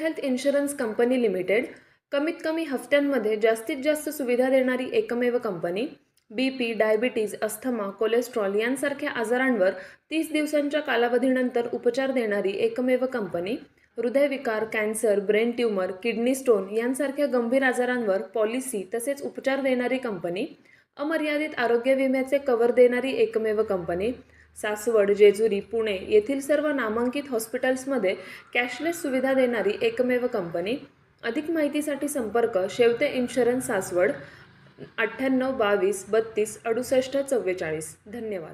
Health insurance company limited कमीत कमी हफ्त्यांमध्ये जास्तीत जास्त सुविधा देणारी एकमेव company. BP, diabetes, asthma, cholesterol यांसारख्या आजारांवर 30 दिवसांच्या कालावधीनंतर उपचार देणारी एकमेव कंपनी. हृदयविकार, cancer, brain tumour, kidney stone यांसारख्या गंभीर आजारांवर पॉलिसी तसेच उपचार देणारी कंपनी. अमर्यादित आरोग्य विम्याचे कव्हर देणारी एकमेव कंपनी. सासवड, जेजुरी, पुणे येथील सर्व नामांकित हॉस्पिटल्समध्ये कॅशलेस सुविधा देणारी एकमेव कंपनी. अधिक माहितीसाठी संपर्क शेवते इन्शुरन्स सासवड 98 22 32 68 44. धन्यवाद.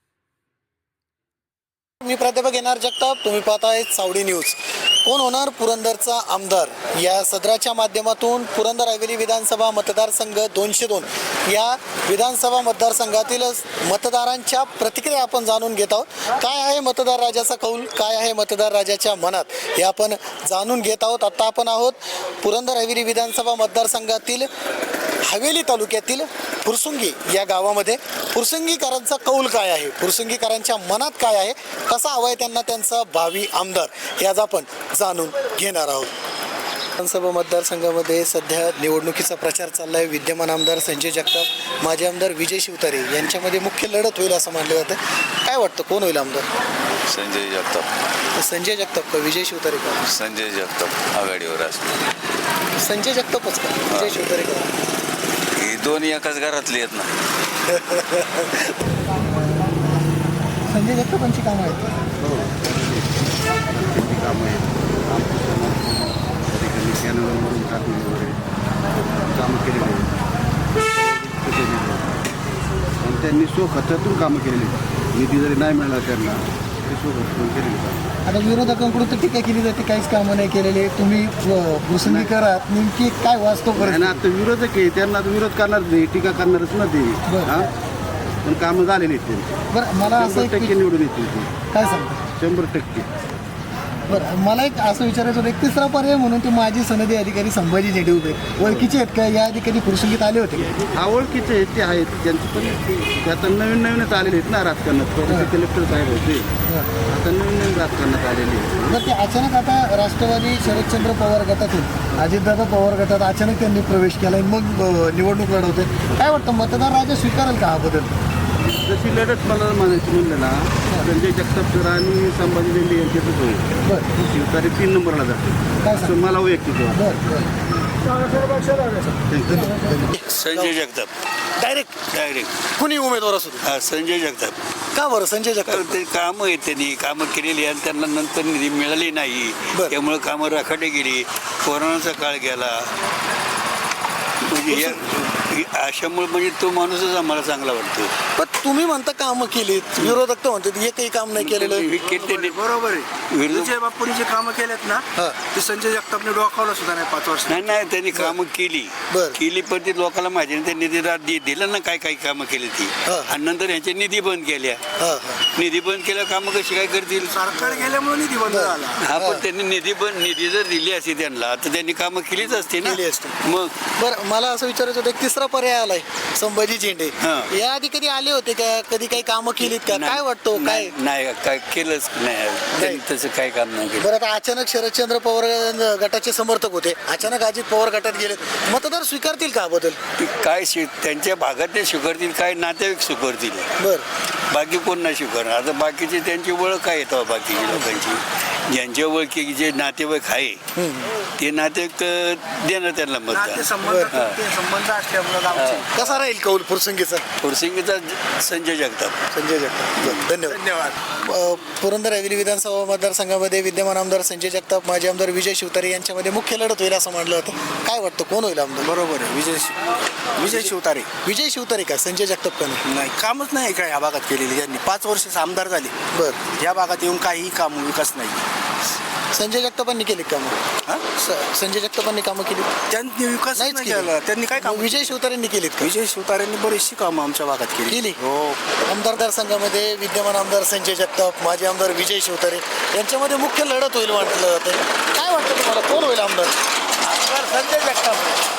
मी प्राध्यापक एन आर जगताप. तुम्ही पाहताय सावडी न्यूज. कोण होणार पुरंदरचा आमदार या सदराच्या माध्यमातून पुरंदर हवेली विधानसभा मतदारसंघ 202 या विधानसभा मतदारसंघातील मतदारांच्या प्रतिक्रिया आपण जाणून घेत आहोत. काय आहे मतदार राजाचा कौल, काय आहे मतदार राजाच्या मनात हे आपण जाणून घेत आहोत. आता आपण आहोत पुरंदर हवेली विधानसभा मतदारसंघातील हवेली तालुक्यातील फुरसुंगी या गावामध्ये. फुरसुंगीकरांचा कौल काय आहे, फुरसुंगीकरांच्या मनात काय आहे, कसा हवा आहे त्यांना त्यांचा भावी आमदार हे आज आपण जाणून घेणार आहोत. विधानसभा मतदारसंघामध्ये सध्या निवडणुकीचा प्रचार चालला आहे. विद्यमान आमदार संजय जगताप, माजी आमदार विजय शिवतारे यांच्यामध्ये मुख्य लढत होईल असं मानलं जातं. काय वाटतं कोण होईल आमदार? संजय जगताप. संजय जगताप का विजय शिवतारे का? संजय जगताप आघाडीवर असतो. संजय जगतापच का विजय शिवतारे का? ही दोन्ही एकाच घरातली आहेत ना. संजय जगतापांची कामं आहेत. कामं आहेत. कधी कॅनलवरून टाकणे वगैरे कामं केलेली आहेत. आणि त्यांनी स्वखतातून कामं केलेली आहेत. निधी जरी नाही मिळाला त्यांना ते स्वखतातून केलेली आहेत. आता विरोधकांकडून तर टीका केली जाते, काहीच कामं नाही केलेले. तुम्ही फुरसुंगीकरात नेमकी काय वास्तव आणि आता विरोधक आहे, त्यांना आता विरोध करणार नाही, टीका करणारच ना ते. हां, पण कामं झालेली आहेत त्यांची. बरं, मला असं 100% निवडून येतील ते. काय सांगता? 100%. बरं, मला एक असं विचारायचं होतं, एक तिसरा पर्याय म्हणून ते माजी सनदी अधिकारी संभाजी झेडे उभे ओळखीचे आहेत का? या आधी कधी फुरसुंगीत आले होते? आवडकीचे आहेत ते आहेत, त्यांचं पण ते आता नवीन नवीनच आलेले आहेत ना राजकारणात. पहिले कलेक्टर साहेब होते, आता नवीन नवीन राजकारणात आलेले आहेत. तर ते अचानक आता राष्ट्रवादी शरदचंद्र पवार गटातून अजितदादा पवार गटात अचानक त्यांनी प्रवेश केला आणि मग निवडणूक लढवते. काय वाटतं मतदार राजा स्वीकारेल का हा बदल? जशी लढत मला म्हणायची म्हणलं ना, संजय जगताप सर आणि संभाजी झेंडे यांच्यातच होईल. बरं, शिवतारे 3 नंबरला जाते. काय असं मला वैयक्तिक वाटतं. संजय जगताप डायरेक्ट कुणी उमेदवार असू दे. हा संजय जगताप. का बरं संजय जगताप? ते कामं आहेत, त्यांनी कामं केलेली आणि त्यांना नंतर निधी मिळाली नाही. बरं. त्यामुळे कामं राखाडी गेली. कोरोनाचा काळ गेला. म्हणजे अशामुळे म्हणजे तो माणूसच आम्हाला चांगला वाटतो. पण तुम्ही म्हणता कामं केलीत, विरोधक तर म्हणतात एकही काम नाही केलेलं. बरोबर आहे. विजय बापूंनी जे कामं केलेत ना, ते संजय जगतापने डोकावलं सुद्धा नाही 5 वर्ष. नाही त्यांनी कामं बरं. केली पण ती लोकांना माहिती नाही. त्यांनी निधी दिलं ना, काय काय कामं केली ती. आणि नंतर यांच्या निधी बंद केल्या. निधी बंद केल्या, कामं कशी काय करतील? सरकार गेल्यामुळे निधी बंद झाला. हा, पण त्यांनी निधी जर दिली असती त्यांना तर त्यांनी कामं केलीच असते ना. मग बरं, मला असं विचारायचं होतं, एक तिसरा पर्याय आलाय संभाजी झेंडे. या आधी कधी आले होते का? कधी काही कामं केलीत का? काय वाटतं काय? नाही काय केलंच नाही. त्यांनी तसं काय काम नाही केलं. बरं, आता अचानक शरदचंद्र पवार गटाचे समर्थक होते, अचानक अजित पवार गटात गेले. मतदार स्वीकारतील का बदल? काय त्यांच्या भागात ते स्वीकारतील, काय नातेवाईक स्वीकारतील. बरं, बाकी कोण नाही स्वीकारणार. आता बाकीचे त्यांची ओळख काय येतं बाकीच्या लोकांची. ज्यांच्या ओळखी जे नातेवाईक आहे ते नातेवाईक देणार त्यांना मतदान. संबंध असल्यामुळे आमचे. कसा राहील कौल फुरसुंगीचा? फुरसिंगीचा संजय जगताप. संजय जगताप. धन्यवाद. पुरंदर हवेली विधानसभा मतदारसंघामध्ये विद्यमान आमदार संजय जगताप, माजी आमदार विजय शिवतारे यांच्यामध्ये मुख्य लढत होईल असं मानलं होतं. काय वाटतं कोण होईल आमदार? बरोबर आहे. विजय शिवतारे. विजय शिवतारे का संजय जगताप का नाही? नाही, कामच नाही काय ह्या भागात केलेली. त्यांनी 5 वर्ष आमदार झाले. बरं, या भागात येऊन काही काम विकास नाही. संजय जगतापांनी केली कामं? संजय जगतापांनी कामं केली? त्यांनी विकास नाहीच नाही केली. केला. त्यांनी काय काम? विजय शिवतारेंनी केलीत का? विजय शिवतारेंनी बरीचशी कामं आमच्या भागात केली. हो. आमदार संघामध्ये विद्यमान आमदार संजय जगताप, माजी आमदार विजय शिवतारे यांच्यामध्ये मुख्य लढत होईल म्हटलं जातं. काय वाटतं तुम्हाला कोण होईल आमदार? संजय जगताप.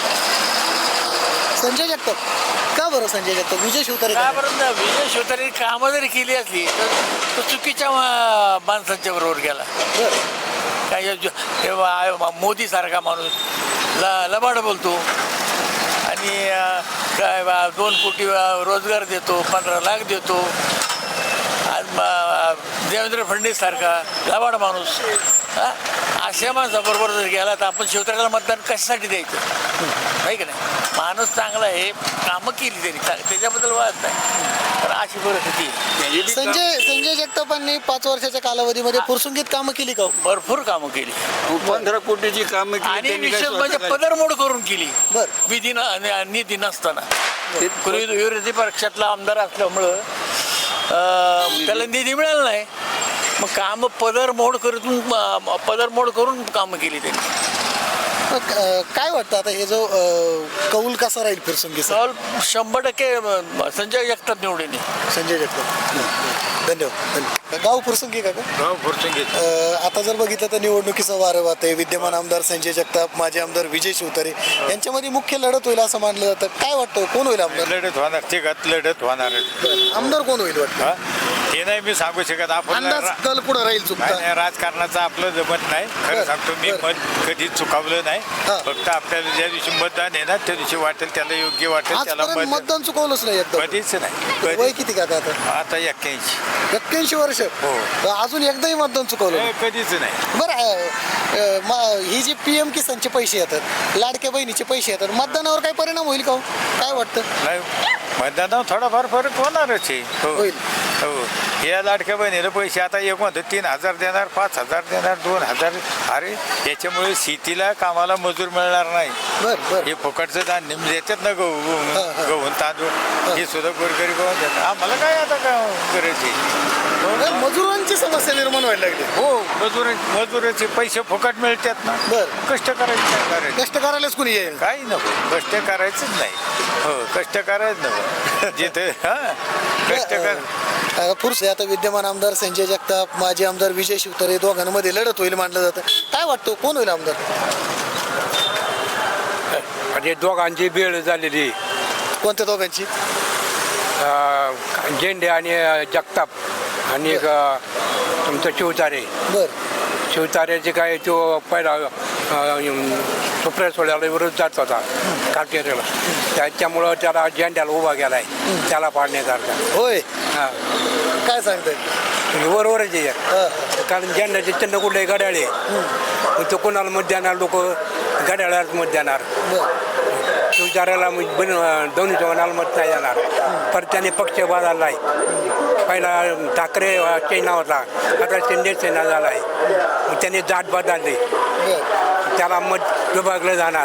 संजय जगताप. का बरं संजय जगताप? विजय शिवतारे का बरं ना? विजय शिवतारे कामं जरी केली असली तर तो चुकीच्या माणसांच्या बरोबर गेला. बरं, मोदीसारखा माणूस लबाड बोलतो आणि काय 2 कोटी रोजगार देतो, 15 लाख देतो. देवेंद्र फडणवीस सारखा लबाड माणूस अशा माणसाबरोबर जर गेला तर आपण शिवतऱ्याला मतदान कशासाठी द्यायचं, नाही का नाही. माणूस चांगला आहे, कामं केली त्यांनी, त्याच्याबद्दल वाद नाही. तर अशी परिस्थिती आहे. संजय जगतापांनी 5 वर्षाच्या कालावधीमध्ये पुरसुंगीत कामं केली का? भरपूर कामं केली 15 कोटीची कामं केली आणि त्यांनी. विशेष काय म्हणजे स्वतः पदरमोड करून केली बरं. विधी निधी नसताना. पूर्वी विरोधी पक्षातला आमदार असल्यामुळं त्याला निधी मिळाला नाही. मग कामं पदरमोड करून कामं केली त्यांनी. मग, काय वाटतं आता हे जो कौल कसा राहील फिरसुंगीचा? सहल 100% संजय जगताप निवडून येईल. संजय जगताप. धन्यवाद. गाव फुरसुंगी का? गाव फुरसुंगी. आता जर बघितलं तर निवडणुकीचं वारं वाहत आहे. विद्यमान आमदार संजय जगताप, माजी आमदार विजय शिवतारे यांच्यामध्ये मुख्य लढत होईल असं मानलं जातं. काय वाटतं कोण होईल आमदार? लढत होणार, तिघात लढत होणार. आमदार कोण होईल वाटतं? हे नाही मी सांगू शकत. आपण अंदाज कल पुढे राहील चुकता. नाही, राजकारणाचं आपलं जमत नाही. खरं सांगतो मी, बरं. मत कधी चुकावलं नाही. हा. फक्त आपल्याला ज्या दिवशी मतदान आहे ना, त्या दिवशी वाटेल त्याला योग्य वाटेल त्याला आजपर्यंत मतदान चुकवलंच नाही एकदम. कधीच नाही. वय किती का आता? आता 81. 81 वर्ष. हो. अजून एकदाही मतदान चुकवलं नाही. कधीच नाही. बरं, ही जी PM किसानचे पैसे येतात, लाडक्या बहिणीचे पैसे येतात, मतदानावर काय परिणाम होईल का हो? काय वाटतं? नाही, मतदानावर थोडाफार फरक होणारच आहे. हो होईल. हो. या लाडक्या बहिणीला पैसे आता एक म्हणतो 3,000 देणार, 5,000 देणार, 2,000. अरे याच्यामुळे शेतीला कामाला मजूर मिळणार नाही. बरं. हे फुकटचं धान्य देतात ना, गहून तांदूळ, हे सुद्धा गोरगरीब देतात. आम्हाला काय आता काय गरज आहे? मजुरांची समस्या निर्माण व्हायला लागली. हो, मजुराचे पैसे फुकट मिळतात ना. बरं. कष्ट करायचं काय करायचं? कष्ट करायलाच कुणी येईल. काही नको, कष्ट करायचंच नाही. हो, कष्ट करायचं नको जिथे. कष्ट कर. पुरुष आता विद्यमान आमदार संजय जगताप, माजी आमदार विजय शिवतारे दोघांमध्ये लढत होईल मानलं जातं. काय वाटतं कोण होईल आमदार? म्हणजे दोघांची बेळ झालेली. कोणत्या दोघांची? झेंडे आणि जगताप आणि तुमचं शिवतारे. बरं. शिवतारेचे काय तो पहिला सुप्रिया सोळ्याला विरोध जात होता काटेरीला. त्याच्यामुळं त्याला झेंड्याला उभा गेला आहे, त्याला पाडण्यासारखा. होय. हां, काय सांगताय? बरोबरच आहे. कारण झेंड्याचे चिन्ह कुठले घड्याळे, मग तो कोणाला मत देणार? लोक घड्याळालाच मत देणार. शिवतारेला दोन्ही जवानाला मत नाही देणार. पर त्याने पक्ष बदलला आहे. पहिला ठाकरे सेना होता, आता शिंदे सेना झाला आहे. मग त्याने जात बदलली, त्याला मत विभागलं जाणार.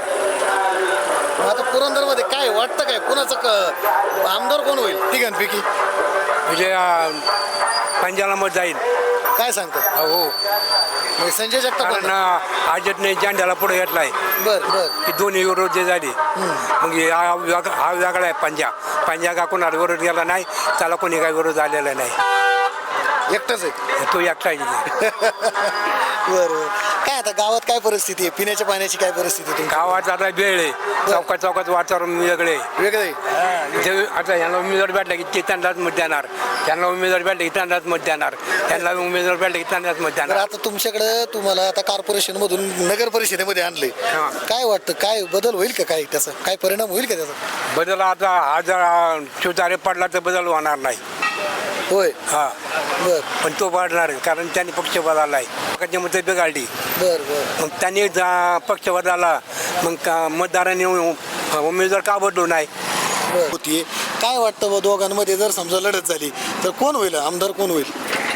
आता पुरंदरमध्ये काय वाटतं, काय कोणाचं आमदार कोण होईल तिघांपैकी? म्हणजे पंजाला मत जाईल. काय सांगतात? हो, संजय जगताप. कारण आजतने झेंड्याला पुढे घेतलाय. बरं. ही दोन्ही विरोध झाली. मग हा वेगळा आहे पंजा का कोणाला विरोध गेला नाही, त्याला कोणी काही विरोध आलेला नाही. एकटाच आहे तो एकटा आहे. बरं. काय आता गावात काय परिस्थिती आहे? पिण्याच्या पाण्याची काय परिस्थिती आहे? गावात आता वेळ आहे, चौकात वातावरण वेगळे. वेगळे. आता यांना उमेदवार भेटला की ते त्यांनाच मत देणार, त्यांना उमेदवार भेटला की त्यांनाच मत देणार, त्यांना उमेदवार भेटला की त्यांनाच मत देणार. आता तुमच्याकडे तुम्हाला आता कॉर्पोरेशन मधून नगर परिषदेमध्ये आणले, काय वाटतं काय बदल होईल का? काय त्याचा काय परिणाम होईल का त्याचा? बदल आता हा जर शिवतारे पडला तर बदल होणार नाही. होय. हा, बर. पण तो पडणार कारण त्यांनी पक्ष बदलला आहे. पक्षाची मतं बिघडली. बर. मग त्यांनी पक्ष बदलला, मग मतदारांनी उमेदवार का बदलू नाही? होती. काय वाटतं बा दोघांमध्ये जर समजा लढत झाली तर कोण होईल आमदार, कोण होईल?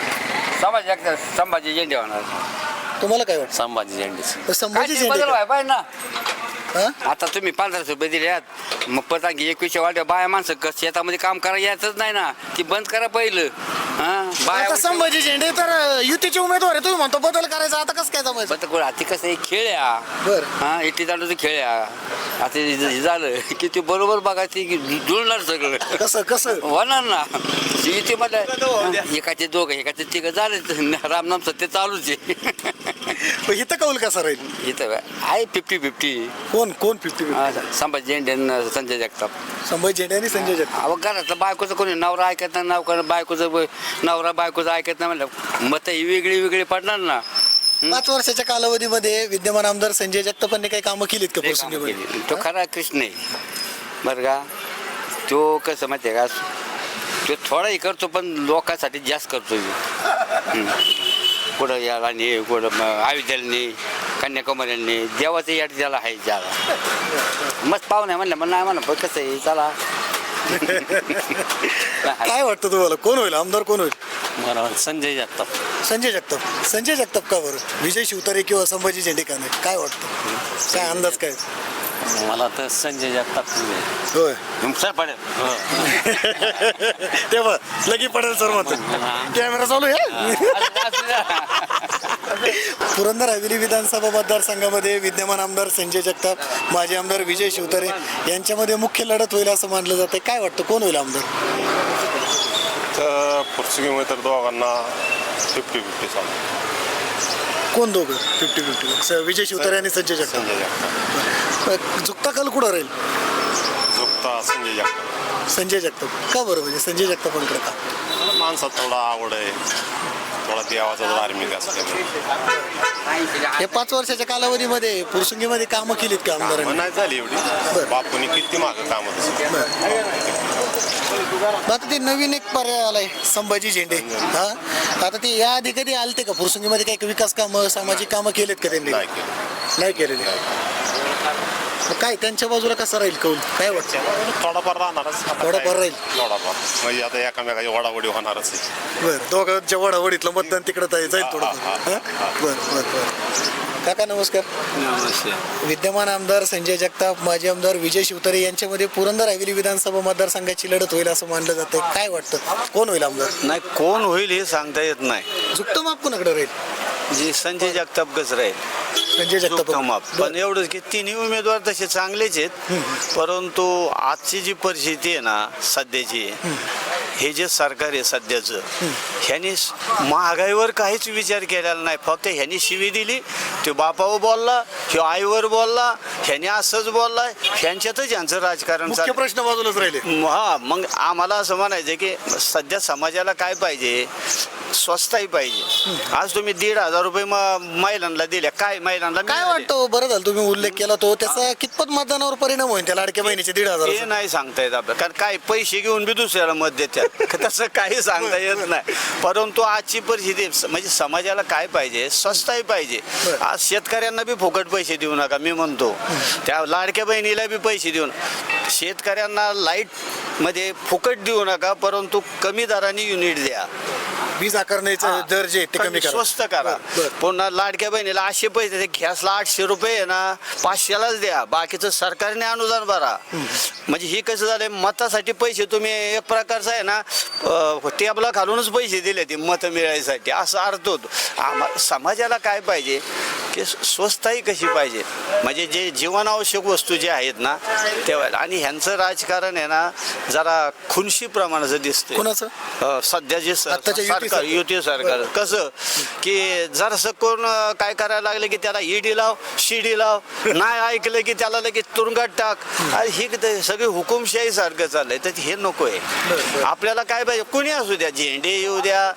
संभाजी झेंडे होणार. तुम्हाला काय वाटतं? संभाजी झेंडे. संभाजी बदल झेंडे. व्हाय पाहिजे ना. हा? आता तुम्ही 1500 रुपये दिल्यात, मग परत आणखी 21 वाट्या बाया माणसं शेतामध्ये काम करायला यायचंच नाही ना, ती बंद करा पहिलं. आता संभाजी झेंडे तर युतीचे उमेदवार आहे, तुम्ही म्हणतो बदल करायचा, आता कसं काय जमायचं? आता कसं आहे, खेळ आहे. बर. हा, इटली तांडूचं खेळ आहे. आता हे झालं की ते बरोबर बघा, ती जुळणार सगळं. कसं होणार ना युतीमध्ये. एकाचे दोघं एकाचे तिघं झाले, रामनाम सत्य चालूच आहे. इथं कौल कसा राहील? इथं आहे 50-50. कोण 50-50? संभाजी झेंडे आणि संजय जगताप. संभाजी झेंडे आणि संजय जगताप. अहो, घरातलं बायकोचं कोणी नवरा ऐकत नाही, नवरा बायकोचं ऐकत नाही म्हणलं, मतं ही वेगळी पडणार ना. 5 वर्षाच्या कालावधीमध्ये विद्यमान आमदार संजय जगतापांनी काही कामं केलीत का लय कामं पुरसुंगीमध्ये? केली. तो खरा कृष्ण आहे बरं का. तो कसं माहिती आहे का, तो थोडाही करतो पण लोकांसाठी जास्त करतो. कुठं याला नाही, कुठं अयोध्येला कन्याकुमारीने देवाचं याड त्याला आहे ज्याला मस्त पाहुणे म्हणलं मग नाही म्हणलं कसं आहे चला. काय वाटतं तुम्हाला, कोण होईल आमदार, कोण होईल? मला संजय जगताप. संजय जगताप का बरं? विजय शिवतारे किंवा संभाजी झेंडेकाने, काय वाटतं, काय अंदाज काय? मला तर संजय जगताप होय हुमसा पडेल. तेव्हा लगी पडेल सर मत. कॅमेरा चालू आहे. पुरंदर हवेली विधानसभा मतदारसंघामध्ये विद्यमान आमदार संजय जगताप, माजी आमदार विजय शिवतारे यांच्यामध्ये मुख्य लढत होईल असं मानलं जातं. काय वाटतं, कोण होईल आमदार? तर पुरसुंगीमध्ये तर दोघांना 50-50 चालू. कोण दोघं 50-50? विजय शिवतारे आणि संजय जगताप. संजय जगताप. झुकता कल कुठं राहील? झुकता संजय जगताप. संजय जगताप का बरं? म्हणजे संजय जगतापांकडे का? माणसात थोडा आवड आहे, थोडा देवाचा धार्मिक असल्यामुळे. या 5 वर्षाच्या कालावधीमध्ये पुरसुंगीमध्ये कामं केलीत का आमदारांनी? नाही झाली एवढी. बापूंनी किती मागं कामं आता ते नवीन एक पर्याय आलाय, संभाजी झेंडे. हा, आता ते या आधी कधी आलते का पुरसुंगीमध्ये? काही विकास कामं, सामाजिक कामं केलेत का त्यांनी? नाही केलं. नाही केलेले. मग काय त्यांच्या बाजूला कसं राहील कौल, काय वाटतं? थोडाफार राहणारच. आता थोडाफार काय? राहील. थोडाफार म्हणजे आता एकामेकाची वडावडी होणारच आहे. बरं, दोघांच्या वडावडीतलं मतदान तिकडं जाईल थोडं. बरं. काका नमस्कार. विद्यमान आमदार संजय जगताप, माजी आमदार विजय शिवतारे यांच्यामध्ये पुरंदर हवेली विधानसभा मतदारसंघाची लढत होईल असं मानलं जातं. काय वाटतं, कोण होईल आमदार? नाही, कोण होईल हे सांगता येत नाही. झुकतं माप कोणाकडे राहील? जी संजय जगताप कसं राहील, संजय जगताप. झुकतं माप. पण एवढंच की तिन्ही उमेदवार तसे चांगलेच आहेत, परंतु आजची जी परिस्थिती आहे ना सध्याची, हे जे सरकार आहे सध्याचं, ह्यानी महागाईवर काहीच विचार केलेला नाही. फक्त ह्यानी शिवी दिली, तो बापावर बोलला, ह्यो आईवर बोलला, ह्याने असंच बोलला, ह्यांच्यातच यांचं राजकारण मुख्य चाललं. प्रश्न बाजूलाच राहिले. हा, मग आम्हाला असं म्हणायचं की सध्या समाजाला काय पाहिजे, स्वस्ताही पाहिजे. आज तुम्ही 1,500 रुपये महिलांना दिल्या, काय महिलांना काय मिळाले? वाटतं, बरं झालं तुम्ही उल्लेख केला तो, त्याचा कितपत मतदानावर परिणाम होईल त्या लाडक्या बहिणीचे ते 1,500? नाही सांगता येत आपल्याला, कारण काय पैसे घेऊन बी दुसऱ्याला मत देतात. तसं काही सांगता येत नाही. परंतु आजची परिस्थिती म्हणजे समाजाला काय पाहिजे, स्वस्ताही पाहिजे. आज शेतकऱ्यांना बी फुकट पैसे देऊ नका, मी म्हणतो. त्या लाडक्या बहिणीला बी पैसे देऊन शेतकऱ्यांना लाईट मध्ये फुकट देऊ नका, परंतु कमी दराने युनिट द्या. वीज आकारण्याचा दर जे ते कमी करा, स्वस्त करा. पुन्हा लाडक्या बहिणीला 800 पैसे, गॅसला 800 रुपये आहे ना, 500लाच द्या. बाकीचं सरकारने अनुदान भरा. म्हणजे ही कसं झालंय, मतासाठी पैसे तुम्ही एक प्रकारचं आहे ना टेबला घालूनच पैसे दिले ते मतं मिळायसाठी, असा अर्थ होतो. समाजाला काय पाहिजे की स्वस्ताही कशी पाहिजे, म्हणजे जे जीवनावश्यक वस्तू जे आहेत ना तेव्हा. आणि ह्यांचं राजकारण आहे ना जरा खुनशी प्रमाणाचं दिसतंय. कोणाचं? सध्या जे आत्ताच्या सरकार, युती सरकार, कसं की जरासं कोण काय करायला लागलं की त्याला ईडी लाव, शिडी लाव, नाही ऐकलं की त्याला लगेच तुरुंगात टाक. ही सगळी हुकुमशाही सारखं चाललंय. तर हे नको आहे. आपल्याला काय पाहिजे, कुणी असू द्या, झेंडे येऊ द्या,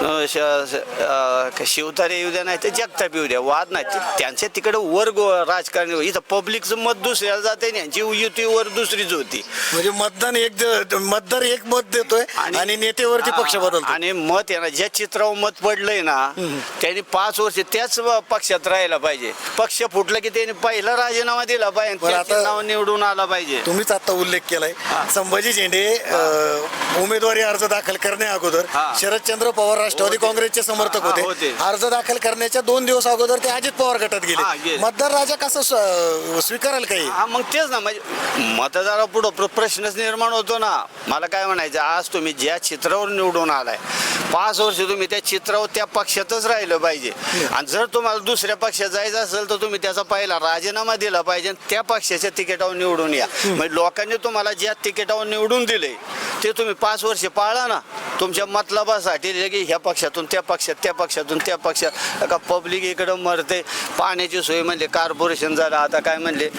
शिवतारे येऊ द्या, नाही तर जगताप येऊ द्या, वाद नाही. त्यांच्या तिकडे वर्ग राजकारण. इथं पब्लिकचं मत दुसऱ्याला जाते, यांची युतीवर दुसरीच होती. म्हणजे मतदार एक मत देतोय आणि नेतेवरती पक्ष बदलतो. आणि मत आहे ना, ज्या चित्रावर मत पडलंय ना त्यांनी 5 वर्ष त्याच पक्षात राहायला पाहिजे. पक्ष फुटलं की त्यांनी पहिला राजीनामा दिला पाहिजे, त्याचं नाव निवडून आला पाहिजे. तुम्हीच आता उल्लेख केलाय, संभाजी झेंडे उमेदवारी अर्ज दाखल करण्या अगोदर शरदचंद्र पवार राष्ट्रवादी काँग्रेसचे समर्थक होते. अर्ज दाखल करण्याच्या 2 दिवस अगोदर ते अजित पवार गटात गेले. मतदार राजा कसं स्वीकारेल काही? हा, मग तेच ना, म्हणजे मतदारा पुढं प्रश्नच निर्माण होतो ना. मला काय म्हणायचं, आज तुम्ही ज्या चित्रावर निवडून आलाय, 5 वर्ष तुम्ही त्या चित्रावर त्या पक्षातच राहिलं पाहिजे. आणि जर तुम्हाला दुसऱ्या पक्षात जायचं असेल तर तुम्ही त्याचा पहिला राजीनामा दिला पाहिजे, त्या पक्षाच्या तिकिटावर निवडून या. म्हणजे लोकांनी तुम्हाला ज्या तिकिटावर निवडून दिले ते तुम्ही 5 वर्ष पाळा ना. तुमच्या मतलबासाठी लगे ह्या पक्षातून त्या पक्षात, त्या पक्षातून त्या पक्षात, का पब्लिक इकडं मरते. पाण्याची सोय म्हणले कॉर्पोरेशन झालं, आता काय म्हणले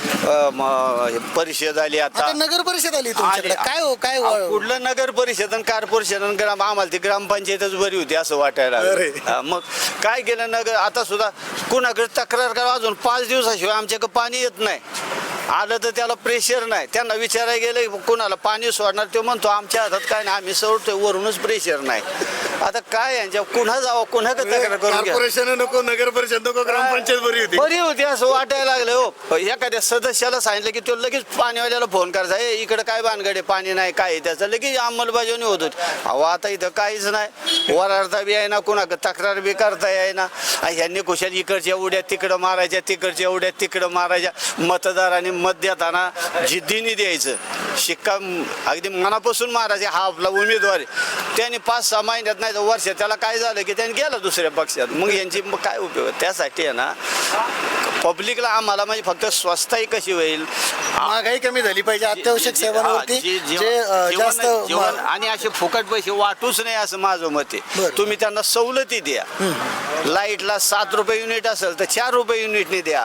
परिषद आली आता आता. नगर परिषद आली तुमच्याकडे, काय हो काय कुठलं नगर परिषद आणि कॉर्पोरेशन आणि ग्राम, आम्हाला ती ग्रामपंचायतच बरी होती असं वाटायला लागलं. अरे. हा, मग काय केलं नगर, आता सुद्धा कुणाकडे तक्रार करा, अजून 5 दिवसाशिवाय आमच्याकडे पाणी येत नाही. आलं तर त्याला प्रेशर नाही. त्यांना विचारायला गेलं कुणाला पाणी सोडणार, ते म्हणतो आमच्या हातात काय नाही, आम्ही सोडतोय, वरूनच प्रेशर नाही. आता काय यांच्या कुणा जावं, कुणाकडे तक्रार करून घ्या. कॉर्पोरेशन नको, नगर परिषद नको, ग्रामपंचायत बरी होती. बरी होती असं वाटायला लागलं. हो, एखाद्या सदस्याला सांगितलं की तो लगेच पाणीवाल्याला फोन करायचा, इकडे काय भानगडे, पाणी नाही, काय आहे त्याचं, लगेच अंमलबजावणी होत होती. अहो आता इथं काहीच नाही. वरारता बी आहे ना, कुणाकडे तक्रार बी करता आहे ना. ह्यांनी कुशाल इकडच्या उड्या तिकडं मारायच्या, तिकडच्या उड्या तिकडं मारायच्या. मतदारांनी मत देताना जिद्दीने द्यायचं, शिक्का अगदी मनापासून मारायचे, हा आपला उमेदवार आहे. त्यांनी 5-6 महिन्यात नाही तर वर्षात त्याला काय झालं की त्यांनी गेला दुसऱ्या पक्षात. मग यांची मग काय उपयोग. त्यासाठी आहे ना पब्लिकला आम्हाला म्हणजे फक्त स्वस्ताही कशी होईल, महागाई कमी झाली पाहिजे, अत्यावश्यक सेवांवरती जे जास्त जीवन आणि असे फुकट पैसे वाटूच नाही असं माझं मत आहे. बरं. तुम्ही त्यांना सवलती द्या. लाईटला 7 रुपये युनिट असेल तर 4 रुपये युनिटने द्या.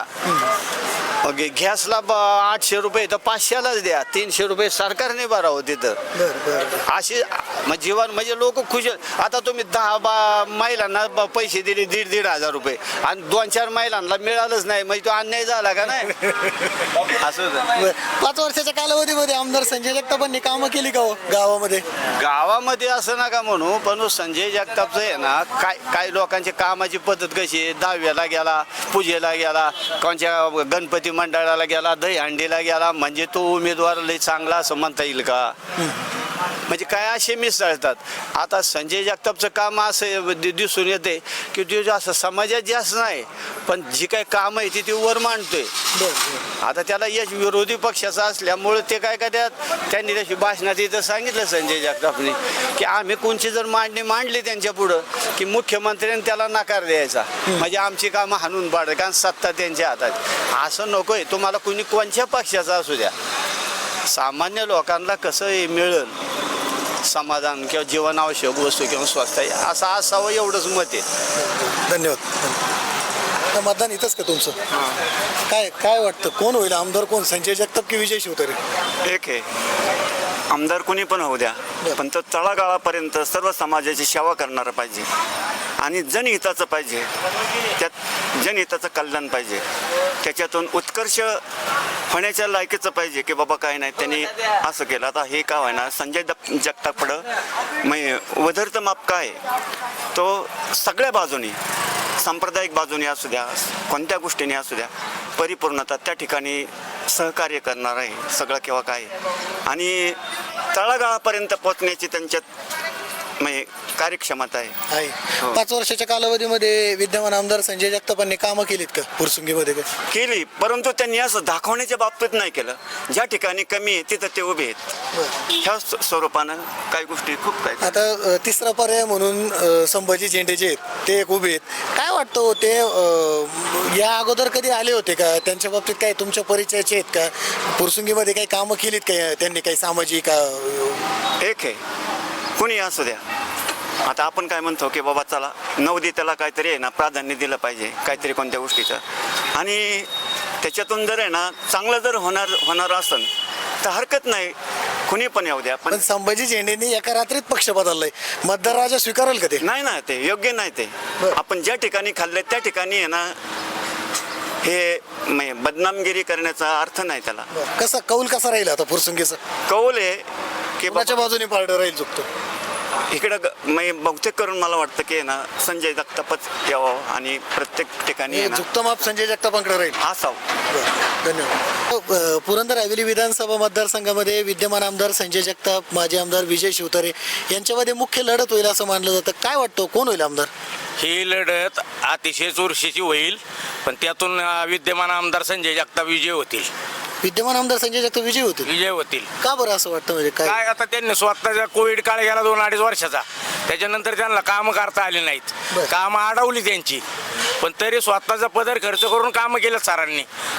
गॅसला 800 रुपये तर 500लाच द्या. 300 रुपये सरकारने भरावं तिथं. अशी जीवन म्हणजे लोक खुश. आता तुम्ही 10 महिलांना पैसे दिले 1,500 रुपये आणि 2-4 महिलांना मिळालंच नाही, म्हणजे तो अन्याय झाला का नाही. असं 5 वर्षाच्या कालावधीमध्ये आमदार संजय जगतापांनी कामं केली का हो गावामध्ये? गावामध्ये असं नका म्हणू, पण संजय जगतापचं आहे ना, काय लोकांची कामाची पद्धत कशी आहे. 10व्याला गेला, पूजेला गेला, कोणच्या गणपती मंडळाला गेला, दहीहंडीला गेला, म्हणजे तो उमेदवार लय चांगला असं म्हणता येईल का. म्हणजे काय असे मिसळतात. आता संजय जगतापचं काम असं दिसून येते की ते जास्त समाजात जास्त नाही, पण जी काही कामं आहे ती वर मांडतोय. आता त्याला यश विरोधी पक्षाचा असल्यामुळे ते काय करतात, त्यांनी त्याची भाषणात इथं सांगितलं संजय जगतापने की आम्ही कोणची जर मांडणी मांडली त्यांच्या पुढं की मुख्यमंत्र्यांनी त्याला नकार द्यायचा, म्हणजे आमची कामं हाणून पाडत, कारण सत्ता त्यांच्या हातात. असं नकोय. तुम्हाला कोणी कोणत्या पक्षाचा असू द्या, सामान्य लोकांना कसं मिळेल समाधान किंवा जीवनावश्यक वस्तू किंवा स्वस्त आहे असं असावं, एवढंच मत आहे. धन्यवाद. मतदान इथंच का तुमचं? काय वाटतं कोण होईल आमदार, कोण संजय जगताप की विजय शिवतारे? एक आहे, आमदार कोणी पण होऊ द्या, पण तो तळागाळापर्यंत सर्व समाजाची सेवा करणारा पाहिजे आणि जनहिताचं पाहिजे, त्यात जनहिताचं कल्याण पाहिजे, त्याच्यातून उत्कर्ष होण्याच्या लायकीचं पाहिजे की बाबा काय नाही त्यांनी असं केलं. आता हे काय आहे ना, संजय जगतापकडं मग वधरचं माप काय तो सगळ्या बाजूनी, सांप्रदायिक बाजूने असू द्या, कोणत्या गोष्टीने असू द्या, परिपूर्णता त्या ठिकाणी सहकार्य करणार आहे सगळं केव्हा काय. आणि तळागाळापर्यंत पोहोचण्याची त्यांच्यात म्हणजे कार्यक्षमता आहे. 5 वर्षाच्या कालावधीमध्ये विद्यमान आमदार संजय जगतापांनी कामं केलीत का पुरसुंगीमध्ये? केली, परंतु त्यांनी असं दाखवण्याच्या बाबतीत नाही केलं. ज्या ठिकाणी कमी आहे तिथं ते उभे आहेत, ह्या स्वरूपानं काही गोष्टी खूप काय. आता तिसरा पर्याय म्हणून संभाजी झेंडे जे आहेत ते एक उभे आहेत. काय वाटतं ते या अगोदर कधी आले होते का? त्यांच्या बाबतीत काही तुमच्या परिचयाचे आहेत का? पुरसुंगीमध्ये काही कामं केलीत का त्यांनी, काही सामाजिक? एक आहे, कुणी असू द्या. आता आपण काय म्हणतो की बाबा चला नवोदिताला काहीतरी आहे ना प्राधान्य दिलं पाहिजे, काहीतरी कोणत्या गोष्टीचं, आणि त्याच्यातून जर आहे ना चांगलं जर होणार असेल तर हरकत नाही, कुणी पण येऊ द्या. पण संभाजी झेंडेंनी एका रात्रीत पक्ष बदललाय, मतदार राजा स्वीकारेल का ते? नाही ना, ते योग्य नाही. ते आपण ज्या ठिकाणी खाल्लंय त्या ठिकाणी आहे ना, हे बदनामगिरी करण्याचा अर्थ नाही त्याला. कसा कौल कसा राहील आता पुरसुंगीचा? कौल आहे की कोणाच्या बाजूने पारडं राहील चुकतो इकडं बहुतेक करून मला वाटतं की ना संजय जगतापच यावं आणि प्रत्येक ठिकाणी झुकतं माप संजय जगतापांकडे राहील असावं. धन्यवाद. पुरंदर हवेली विधानसभा मतदारसंघामध्ये विद्यमान आमदार संजय जगताप, माजी आमदार विजय शिवतारे यांच्यामध्ये मुख्य लढत होईल असं मानलं जातं. काय वाटतं कोण होईल आमदार? ही लढत अतिशय चुरशीची होईल, पण त्यातून विद्यमान आमदार संजय जगताप विजय होतील. विद्यमान आमदार संजय जगताप विजय होतील. का बरं असं वाटतं? म्हणजे काय आता त्यांनी स्वतःचा कोविड काळ गेला 2-2.5 वर्षाचा, त्याच्यानंतर त्यांना कामं करता आली नाहीत, कामं अडवली त्यांची, पण तरी स्वतःचा पदर खर्च करून कामं केलं सरांनी.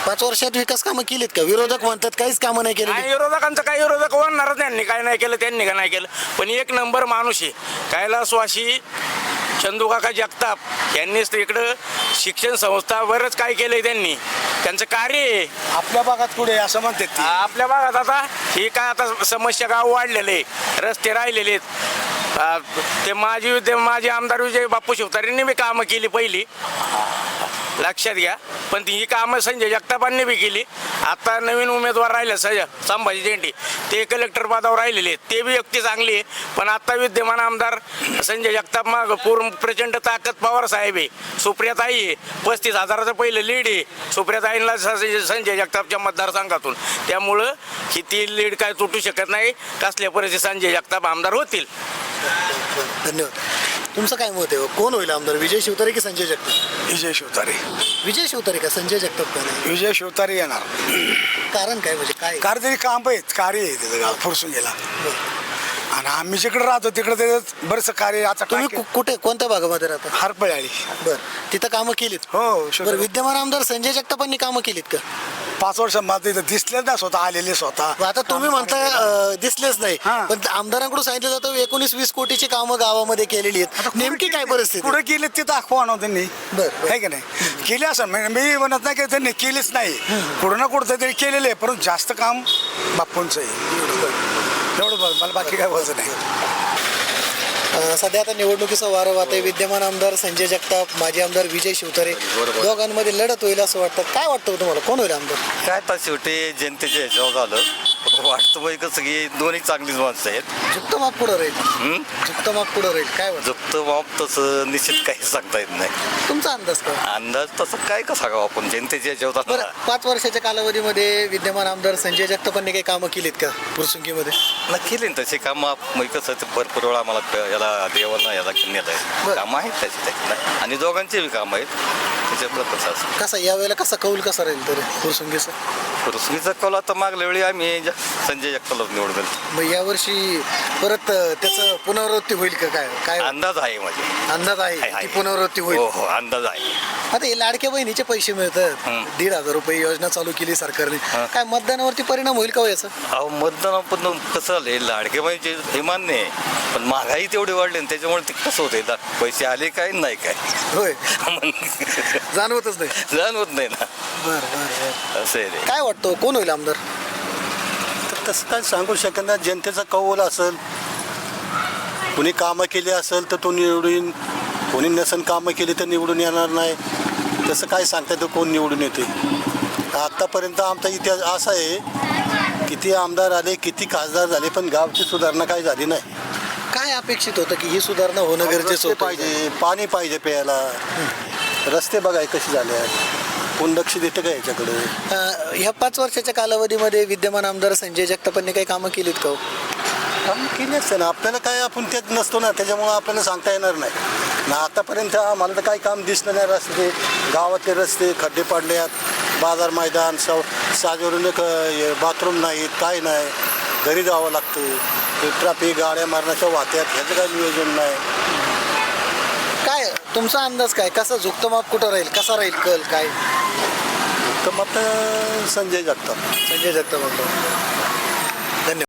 5 वर्षात विकास कामं केलीत का? विरोधक म्हणतात काहीच कामं नाही केली. काय विरोधकांचं काही विरोधक म्हणणार त्यांनी काय नाही केलं, त्यांनी का नाही केलं. पण एक नंबर माणूस आहे कैलासवासी चंदूकाका जगताप यांनीच इकडं शिक्षण संस्था बरंच काय केलंय त्यांनी. त्यांचं कार्य आहे. आपल्या भागात पुढे असं म्हणतात ते. आपल्या भागात आता ही काय आता समस्या गाव वाढलेले, रस्ते राहिलेले आहेत. ते माजी आमदार विजय बापू शिवतारेंनी बी कामं केली पहिली, लक्षात घ्या. पण ही कामं संजय जगतापांनी बी केली. आता नवीन उमेदवार राहिले संभाजी झेंडे, ते कलेक्टर पदावर राहिलेले आहेत, ते बी व्यक्ती चांगली आहे. पण आता विद्यमान आमदार संजय जगताप माग पूर्ण प्रचंड ताकद पवार साहेब आहे. सुप्रियाताई आहे, 35,000चं पहिलं लीड आहे सुप्रियाताईंना संजय जगतापच्या मतदारसंघातून. त्यामुळं ही ती लीड काय तुटू शकत नाही. कसल्या परिस्थितीत संजय जगताप आमदार होतील. धन्यवाद. तुमचं काय मत आहे? कोण होईल आमदार, विजय शिवतारे की संजय जगताप? विजय शिवतारे. विजय शिवतारे का संजय जगताप का नाही? विजय शिवतारे येणार. कारण काय म्हणजे काय? काहीतरी काम आहेत, कार्य आहे तिथं गाव फुरसून गेला. आणि आम्ही जिकडे राहतो तिकडे त्याचं बरंच कार्य. आता तुम्ही कुठे कोणत्या भागामध्ये राहता? हरपळी. बरं, तिथं कामं केलीत? हो. बरं, विद्यमान आमदार संजय जगतापांनी कामं केलीत का? 5 वर्ष मला इथं दिसले ना स्वतः आलेले स्वतः. आता तुम्ही म्हणता दिसलेच नाही, पण आमदारांकडून सांगितलं जातं 19-20 कोटीची कामं गावामध्ये केलेली आहेत. नेमकी काय परिस्थिती? पुढे केली ते दाखवा ना त्यांनी. बरं. आहे की नाही? केली असं मी म्हणत नाही की त्यांनी केलीच नाही. कुठं ना कुठं तरी केलेलं आहे, परंतु जास्त काम बापूंचं आहे. एवढं बघ, मला बाकी काय बोलायचं नाही. सध्या आता निवडणुकीचं वारं वाहत आहे. विद्यमान आमदार संजय जगताप, माजी आमदार विजय शिवतारे, दोघांमध्ये लढत होईल असं वाटतं. काय वाटतं तुम्हाला, कोण होईल आमदार? काय तर शेवटी जनतेच्या ह्याच्यावर झालं. वाटतं बाई कसं की दोन्ही चांगलीच माणसं आहेत. झुकतं माप पुढं राहील. झुकतं माप पुढं राहील. काय वाटतं? जप्त बाब तसं निश्चित काही सांगता येत नाही. तुमचा अंदाज काय? अंदाज तसं काय का सांगावं आपण जनतेच्या ह्याच्यावर. बरं, 5 वर्षाच्या कालावधीमध्ये विद्यमान आमदार संजय जगतापांनी काही कामं केलीत का पुरसुंगीमध्ये? केली ना तशी कामं. मग कसं ते भरपूर वेळा आम्हाला याला देवांना याला नेलं आहे. कामं आहेत त्याची आणि दोघांची बी कामं आहेत त्याच्यातलं कसं असं. कसा यावेळेला कसा कौल कसा राहील तरी पुरसुंगीचा? पुरस्कृतीचा कौल आता मागल्या वेळी आम्ही संजय जगतापला निवडून दिलं. मग यावर्षी परत त्याचं पुनरावृत्ती होईल का? काय अंदाज आहे माझे. अंदाज आहे की पुनरावृत्ती होईल? हो हो, अंदाज आहे. आता हे लाडक्या बहिणीचे पैसे मिळतात, 1,500 रुपये योजना चालू केली सरकारने. काय मतदानावरती परिणाम होईल का हो याचा? अहो मतदान पण कसं झालं, लाडके बहिणीचे हे मान्य आहे, पण महागाई तेवढी वाढली ना त्याच्यामुळे ते कसं होते, पैसे आले काय नाही काय होय जाणवतच नाही. जाणवत नाही ना. बरं बरं असं आहे. काय वाटतं कोण होईल आमदार? तर तसं काय सांगू शकत नाही. जनतेचा कौल असेल, कुणी कामं केली असेल तर तो निवडून, कोणी नसेल कामं केली तर निवडून येणार नाही. तसं काय सांगता येतं कोण निवडून येते. आत्तापर्यंत आमचा इतिहास असा आहे, किती आमदार आले, किती खासदार झाले, पण गावची सुधारणा काय झाली नाही. काय अपेक्षित होतं की ही सुधारणा होणं गरजेचं होतं? पाहिजे, पाणी पाहिजे प्यायला, रस्ते बघाय कसे झाले आहेत, कोण लक्ष देतं का याच्याकडे? ह्या 5 वर्षाच्या कालावधीमध्ये विद्यमान आमदार संजय जगतापांनी काही कामं केलीत का? काम केली असते ना. आपल्याला काय, आपण त्यात नसतो ना, त्याच्यामुळं आपल्याला सांगता येणार नाही ना. आतापर्यंत आम्हाला तर काही काम दिसलं नाही. रस्ते, गावातले रस्ते खड्डे पडले आहेत, बाजार मैदान, साजवरून बाथरूम नाहीत, काय नाही, घरी जावं लागतं. ट्रॅफिक, गाड्या मारण्याच्या वाहत्यात, ह्याचं काय नियोजन नाही. काय तुमचा अंदाज काय, कसा झुकतं माप कुठं राहील, कसा राहील कल काय? तर मग संजय जगताप. संजय जगताप.